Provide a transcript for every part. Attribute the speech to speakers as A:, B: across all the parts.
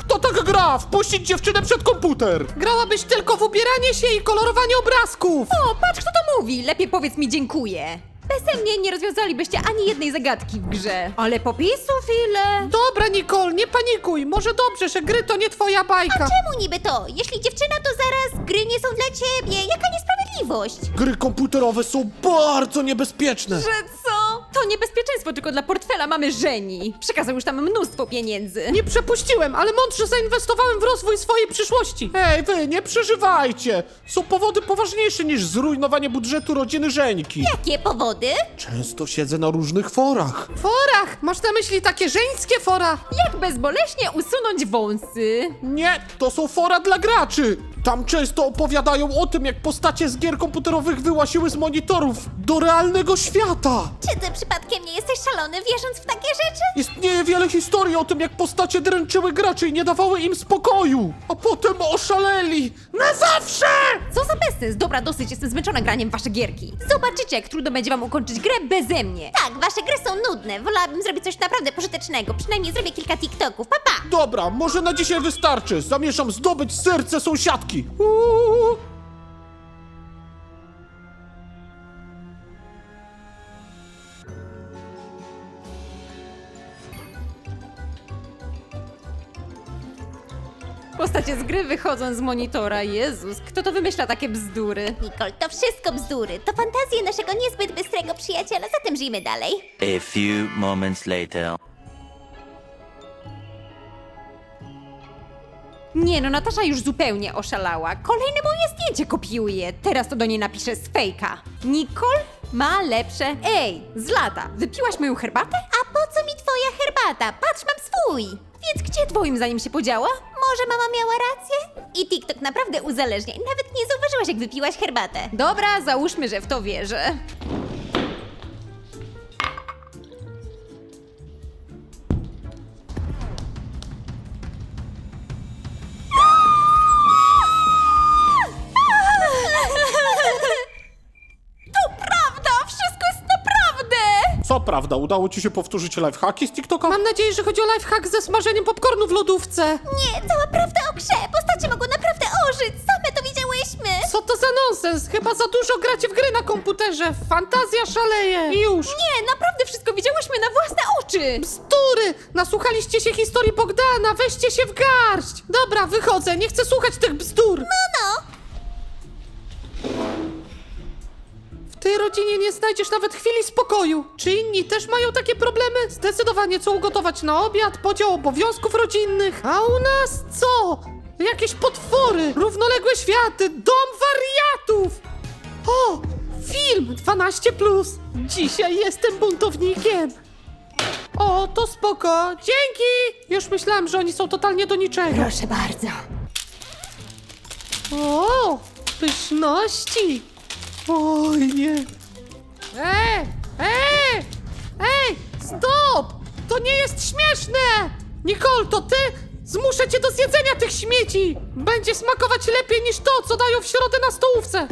A: Kto tak gra? Wpuścić dziewczynę przed komputer! Grałabyś tylko w ubieranie się i kolorowanie obrazków!
B: O, patrz kto to mówi! Lepiej powiedz mi dziękuję. Bez mnie nie rozwiązalibyście ani jednej zagadki w grze. Ale popisów ile?
A: Dobra, Nicole, nie panikuj. Może dobrze, że gry to nie twoja bajka.
C: Czemu niby to? Jeśli dziewczyna, to zaraz gry nie są dla ciebie. Jaka niesprawiedliwość?
A: Gry komputerowe są bardzo niebezpieczne.
B: Że co? To niebezpieczeństwo tylko dla portfela mamy żeni. Przekazał już tam mnóstwo pieniędzy.
A: Nie przepuściłem, ale mądrze zainwestowałem w rozwój swojej przyszłości. Hej, wy, nie przeżywajcie. Są powody poważniejsze niż zrujnowanie budżetu rodziny Żeńki.
C: Jakie powody?
A: Często siedzę na różnych forach. Forach? Masz na myśli takie żeńskie fora?
B: Jak bezboleśnie usunąć wąsy?
A: Nie, to są fora dla graczy. Tam często opowiadają o tym, jak postacie z gier komputerowych wyłasiły z monitorów do realnego świata.
C: Czy ty przypadkiem nie jesteś szalony, wierząc w takie rzeczy?
A: Istnieje wiele historii o tym, jak postacie dręczyły graczy i nie dawały im spokoju. A potem oszaleli. Na zawsze!
B: Co za bezsens? Dobra, dosyć, jestem zmęczona graniem w wasze gierki. Zobaczycie, jak trudno będzie wam ukończyć grę beze mnie.
C: Tak, wasze gry są nudne. Wolałabym zrobić coś naprawdę pożytecznego. Przynajmniej zrobię kilka TikToków. Pa, pa!
A: Dobra, może na dzisiaj wystarczy. Zamierzam zdobyć serce sąsiadki.
B: Postacie z gry wychodzą z monitora. Jezus, kto to wymyśla takie bzdury?
C: Nicole, to wszystko bzdury. To fantazje naszego niezbyt bystrego przyjaciela, zatem żyjmy dalej.
D: A few moments later.
B: Nie no, Natasza już zupełnie oszalała. Kolejne moje zdjęcie kopiuje. Teraz to do niej napiszę z fejka. Nicole ma lepsze. Ej, z lata, wypiłaś moją herbatę?
C: A po co mi twoja herbata? Patrz, mam swój.
B: Więc gdzie twoim zdaniem się podziała?
C: Może mama miała rację? I TikTok naprawdę uzależnia i nawet nie zauważyłaś, jak wypiłaś herbatę.
B: Dobra, załóżmy, że w to wierzę. To prawda! Wszystko jest naprawdę!
A: Co prawda, udało ci się powtórzyć lifehacki z TikToka?
B: Mam nadzieję, że chodzi o lifehack ze smażeniem popcornu w lodówce.
C: Nie, cała prawda o grze. Postacie mogą naprawdę ożyć. Same to widziałyśmy.
A: Co to za nonsens? Chyba za dużo gracie w gry na komputerze. Fantazja szaleje. I już.
B: Nie, naprawdę wszystko widziałyśmy na własne oczy!
A: Bzdury! Nasłuchaliście się historii Bogdana, weźcie się w garść! Dobra, wychodzę, nie chcę słuchać tych bzdur!
C: No.
A: W tej rodzinie nie znajdziesz nawet chwili spokoju. Czy inni też mają takie problemy? Zdecydowanie co ugotować na obiad, podział obowiązków rodzinnych. A u nas co? Jakieś potwory, równoległe światy, dom wariatów! O! Film 12+. Dzisiaj jestem buntownikiem. O, to spoko. Dzięki! Już myślałam, że oni są totalnie do niczego.
B: Proszę bardzo.
A: O, pyszności! Oj, nie! Ej! Stop! To nie jest śmieszne! Nicole, to ty? Zmuszę cię do zjedzenia tych śmieci! Będzie smakować lepiej niż to, co dają w środę na stołówce!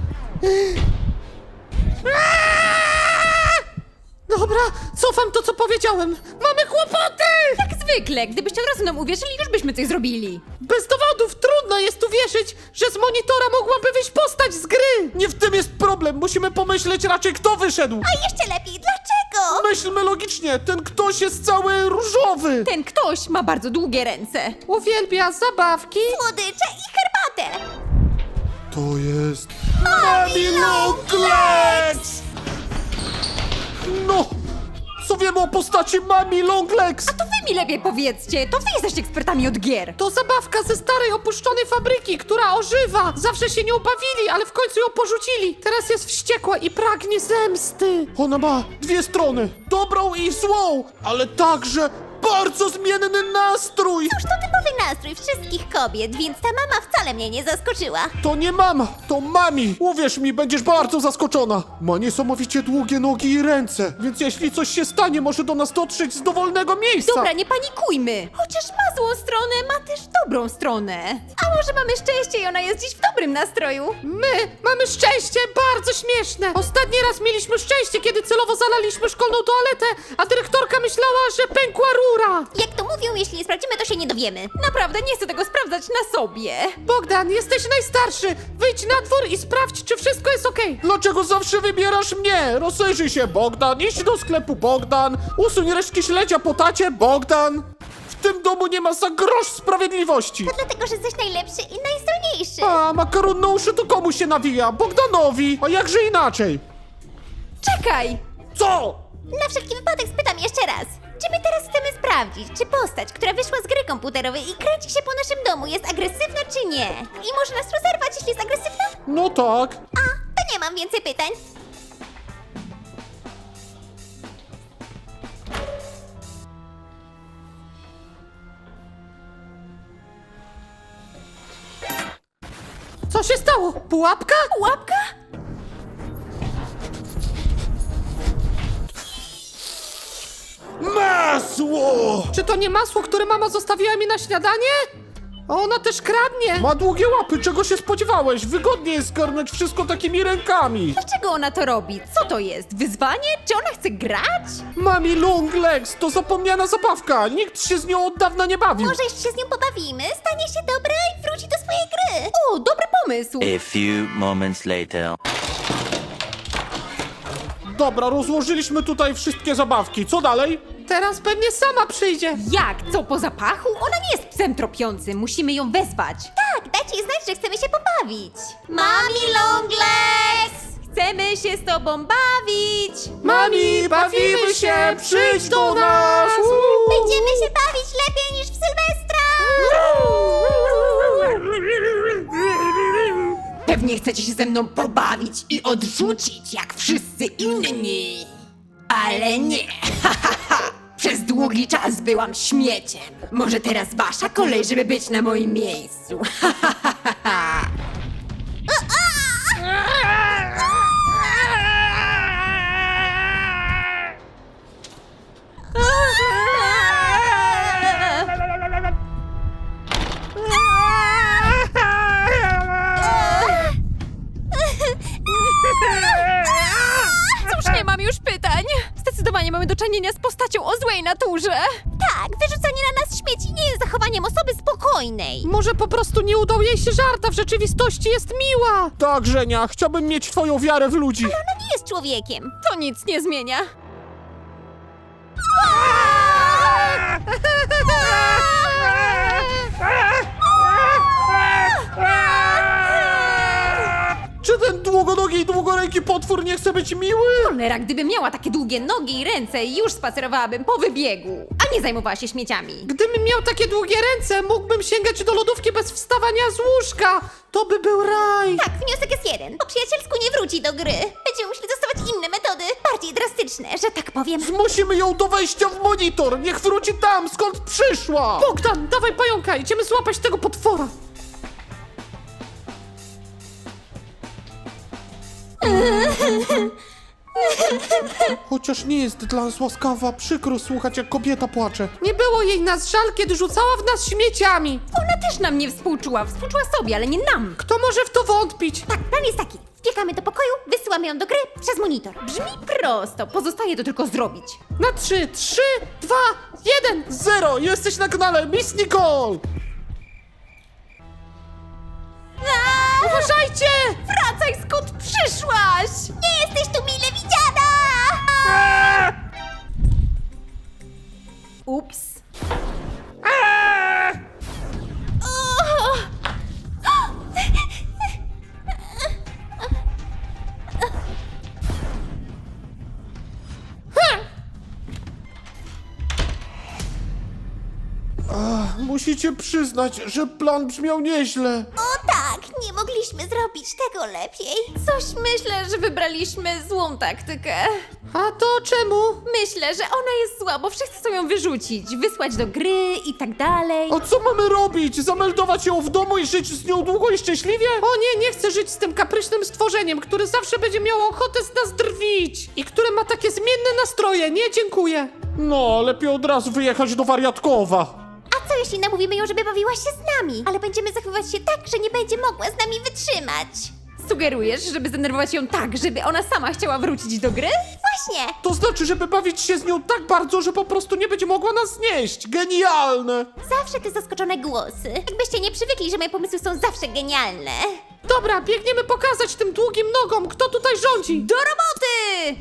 A: Dobra, cofam to, co powiedziałem! Mamy kłopoty!
B: Jak zwykle, gdybyście od razu nam uwierzyli, już byśmy coś zrobili.
A: Bez dowodów trudno jest uwierzyć, że z monitora mogłaby wyjść postać z gry! Nie w tym jest problem, musimy pomyśleć raczej kto wyszedł!
C: A jeszcze lepiej, dlaczego?
A: Myślmy logicznie, ten ktoś jest cały różowy!
B: Ten ktoś ma bardzo długie ręce.
A: Uwielbia zabawki!
C: Słodycze i herbatę.
A: To jest... Mami Longlegs! No! Co wiemy o postaci Mami Longlegs?
B: To wy mi lepiej powiedzcie, to wy jesteście ekspertami od gier.
A: To zabawka ze starej opuszczonej fabryki, która ożywa! Zawsze się nią bawili, ale w końcu ją porzucili! Teraz jest wściekła i pragnie zemsty! Ona ma dwie strony, dobrą i złą, ale także bardzo zmienny nastrój!
C: Cóż, to typowy nastrój wszystkich kobiet, więc ta mama wcale mnie nie zaskoczyła.
A: To nie mama, to mami! Uwierz mi, będziesz bardzo zaskoczona! Ma niesamowicie długie nogi i ręce, więc jeśli coś się stanie, może do nas dotrzeć z dowolnego miejsca!
B: Dobra, nie panikujmy. Chociaż ma złą stronę, ma też dobrą stronę. A może mamy szczęście i ona jest dziś w dobrym nastroju?
A: My mamy szczęście, bardzo śmieszne! Ostatni raz mieliśmy szczęście, kiedy celowo zalaliśmy szkolną toaletę, a dyrektorka myślała, że pękła rura! dziura!
C: Jak to mówią, jeśli nie sprawdzimy, to się nie dowiemy.
B: Naprawdę nie chcę tego sprawdzać na sobie.
A: Bogdan, jesteś najstarszy! Wyjdź na dwór i sprawdź, czy wszystko jest okej.
E: Dlaczego zawsze wybierasz mnie? Rozejrzyj się, Bogdan, idź do sklepu, Bogdan, usuń resztki śledzia po tacie, Bogdan. W tym domu nie ma za grosz sprawiedliwości.
C: Dlatego, że jesteś najlepszy i najzdolniejszy.
E: A makaron na uszy to komu się nawija? Bogdanowi, a jakże inaczej?
B: Czekaj!
E: Co?
C: Na wszelki wypadek spytam jeszcze raz. Czy my teraz chcemy sprawdzić, czy postać, która wyszła z gry komputerowej i kręci się po naszym domu, jest agresywna czy nie? I może nas rozerwać, jeśli jest agresywna?
E: No tak.
C: A, to nie mam więcej pytań.
A: Co się stało? Pułapka?
B: Łapka?
E: Masło!
A: Czy to nie masło, które mama zostawiła mi na śniadanie? Ona też kradnie!
E: Ma długie łapy, czego się spodziewałeś? Wygodnie jest zgarnąć wszystko takimi rękami.
B: Dlaczego ona to robi? Co to jest? Wyzwanie? Czy ona chce grać?
E: Mami long legs, to zapomniana zabawka. Nikt się z nią od dawna nie bawił.
C: Może jeszcze się z nią pobawimy, stanie się dobra i wróci do swojej gry.
B: O, dobry pomysł!
D: A few moments later.
E: Dobra, rozłożyliśmy tutaj wszystkie zabawki. Co dalej?
A: Teraz pewnie sama przyjdzie.
B: Jak? Co, po zapachu? Ona nie jest psem tropiącym, musimy ją wezwać.
C: Tak, dajcie jej znać, że chcemy się pobawić. Mami Longlegs!
B: Chcemy się z tobą bawić!
E: Mami, bawimy się, przyjdź do nas!
C: Będziemy się bawić lepiej niż w Sylwestra!
B: Pewnie chcecie się ze mną pobawić i odrzucić, jak wszyscy inni. Ale nie. Przez długi czas byłam śmieciem. Może teraz wasza kolej, żeby być na moim miejscu. Cóż, nie mam już pytań. Zdecydowanie mamy do czynienia z postacią o złej naturze.
C: Tak, wyrzucanie na nas śmieci nie jest zachowaniem osoby spokojnej.
A: Może po prostu nie udał jej się żart, a w rzeczywistości jest miła.
E: Tak, Żenia, chciałbym mieć twoją wiarę w ludzi.
C: Ona nie jest człowiekiem.
B: To nic nie zmienia.
E: Czy ten długonogi i długoręki potwór nie chce być miły?
B: Cholera, gdybym miała takie długie nogi i ręce, już spacerowałabym po wybiegu, a nie zajmowała się śmieciami.
A: Gdybym miał takie długie ręce, mógłbym sięgać do lodówki bez wstawania z łóżka. To by był raj.
C: Tak, wniosek jest jeden. Po przyjacielsku nie wróci do gry. Będziemy musieli zastosować inne metody, bardziej drastyczne, że tak powiem.
E: Zmusimy ją do wejścia w monitor. Niech wróci tam, skąd przyszła.
A: Bogdan, dawaj pająka, idziemy złapać tego potwora.
E: Chociaż nie jest dla nas łaskawa, przykro słuchać, jak kobieta płacze.
A: Nie było jej nas żal, kiedy rzucała w nas śmieciami.
B: Ona też nam nie współczuła sobie, ale nie nam.
A: Kto może w to wątpić?
C: Tak, plan jest taki. Wbiegamy do pokoju, wysyłamy ją do gry przez monitor.
B: Brzmi prosto, pozostaje to tylko zrobić.
A: Na 3, 3, 2, 1.
E: 0, jesteś na kanale Miss Nicole.
A: Uważajcie!
B: Wracaj, skąd przyszłaś!
C: Nie jesteś tu mile widziana!
B: Ups.
E: Musicie przyznać, że plan brzmiał nieźle.
C: O tak, nie mogliśmy zrobić tego lepiej.
B: Coś myślę, że wybraliśmy złą taktykę.
A: A to czemu?
B: Myślę, że ona jest zła, bo wszyscy chcą ją wyrzucić, wysłać do gry i tak dalej.
E: A co mamy robić? Zameldować ją w domu i żyć z nią długo i szczęśliwie?
A: O nie, nie chcę żyć z tym kapryśnym stworzeniem, które zawsze będzie miało ochotę z nas drwić i które ma takie zmienne nastroje. Nie, dziękuję.
E: No, lepiej od razu wyjechać do wariatkowa.
C: A co jeśli namówimy ją, żeby bawiła się z nami? Ale będziemy zachowywać się tak, że nie będzie mogła z nami wytrzymać.
B: Sugerujesz, żeby zdenerwować ją tak, żeby ona sama chciała wrócić do gry?
C: Właśnie!
E: To znaczy, żeby bawić się z nią tak bardzo, że po prostu nie będzie mogła nas znieść. Genialne!
C: Zawsze te zaskoczone głosy. Jakbyście nie przywykli, że moje pomysły są zawsze genialne.
A: Dobra, biegniemy pokazać tym długim nogom, kto tutaj rządzi.
B: Do roboty!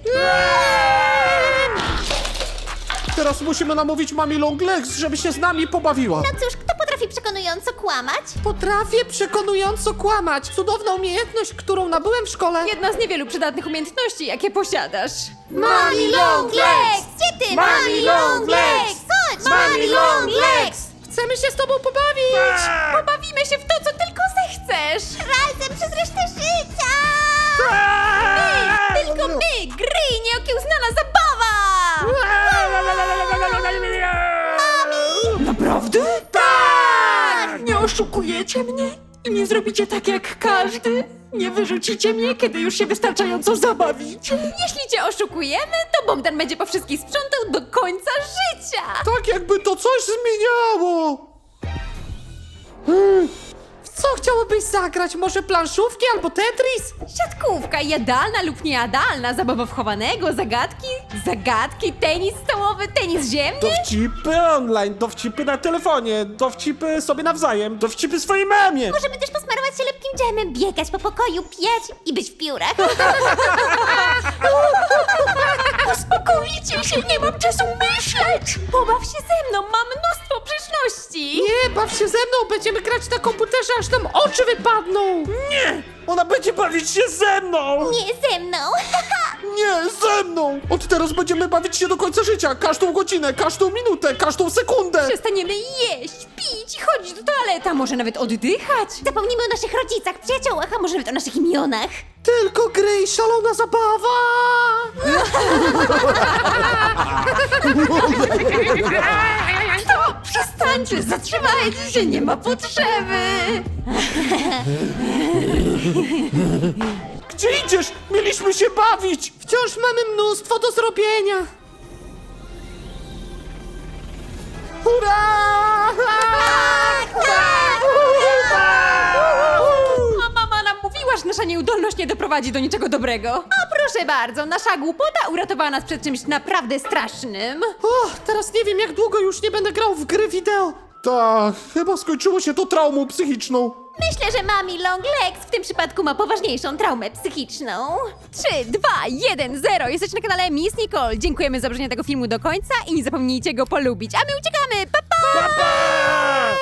E: Teraz musimy namówić Mami Longlegs, żeby się z nami pobawiła.
C: No cóż, kto potrafi przekonująco kłamać?
A: Potrafię przekonująco kłamać. Cudowna umiejętność, którą nabyłem w szkole.
B: Jedna z niewielu przydatnych umiejętności, jakie posiadasz.
C: Mami Longlegs! Gdzie ty, Mami Longlegs? Chodź, Mami Longlegs!
A: Chcemy się z tobą pobawić.
B: Pobawimy się w to, co tylko zechcesz!
C: Razem przez resztę życia!
B: Tylko my, gry i nieokiełznana zabawa! Naprawdę? Tak! Nie oszukujecie mnie? I nie zrobicie tak jak każdy? Nie wyrzucicie mnie, kiedy już się wystarczająco zabawicie? Jeśli cię oszukujemy, to Bogdan będzie po wszystkich sprzątał do końca życia!
E: Tak jakby to coś zmieniało.
A: W co chciałobyś zagrać? Może planszówki albo Tetris?
B: Siatkówka, jadalna lub niejadalna, zabawa wchowanego, zagadki, tenis stołowy, tenis ziemny?
E: Dowcipy online, dowcipy na telefonie, dowcipy sobie nawzajem, dowcipy swojej mamie.
C: Możemy też posmarować się lepkim dżemem, biegać po pokoju, pijać i być w piórach.
B: Uspokójcie się, nie mam czasu myśleć! Pobaw się ze mną, mam mnóstwo przeszłości!
A: Nie, baw się ze mną, będziemy grać na komputerze, aż nam oczy wypadną.
E: Nie! Ona będzie bawić się ze mną!
C: Nie ze mną!
E: Nie, ze mną! Od teraz będziemy bawić się do końca życia, każdą godzinę, każdą minutę, każdą sekundę!
B: Przestaniemy jeść, pić, chodzić do toalety, a może nawet oddychać!
C: Zapomnimy o naszych rodzicach, przyjaciołach, a może nawet o naszych imionach.
A: Tylko gry i szalona zabawa.
B: To przestańcie, zatrzymajcie się, nie ma potrzeby!
E: Gdzie idziesz? Mieliśmy się bawić!
A: Wciąż mamy mnóstwo do zrobienia.
E: Hurra!
B: A mama nam mówiła, że nasza nieudolność nie doprowadzi do niczego dobrego. A proszę bardzo, nasza głupota uratowała nas przed czymś naprawdę strasznym.
A: O, teraz nie wiem, jak długo już nie będę grał w gry wideo.
E: Tak, chyba skończyło się to traumą psychiczną.
C: Myślę, że Mami Longlegs w tym przypadku ma poważniejszą traumę psychiczną.
B: 3, 2, 1, 0. Jesteście na kanale Miss Nicole. Dziękujemy za obejrzenie tego filmu do końca i nie zapomnijcie go polubić. A my uciekamy. Pa, pa!
E: Pa, pa!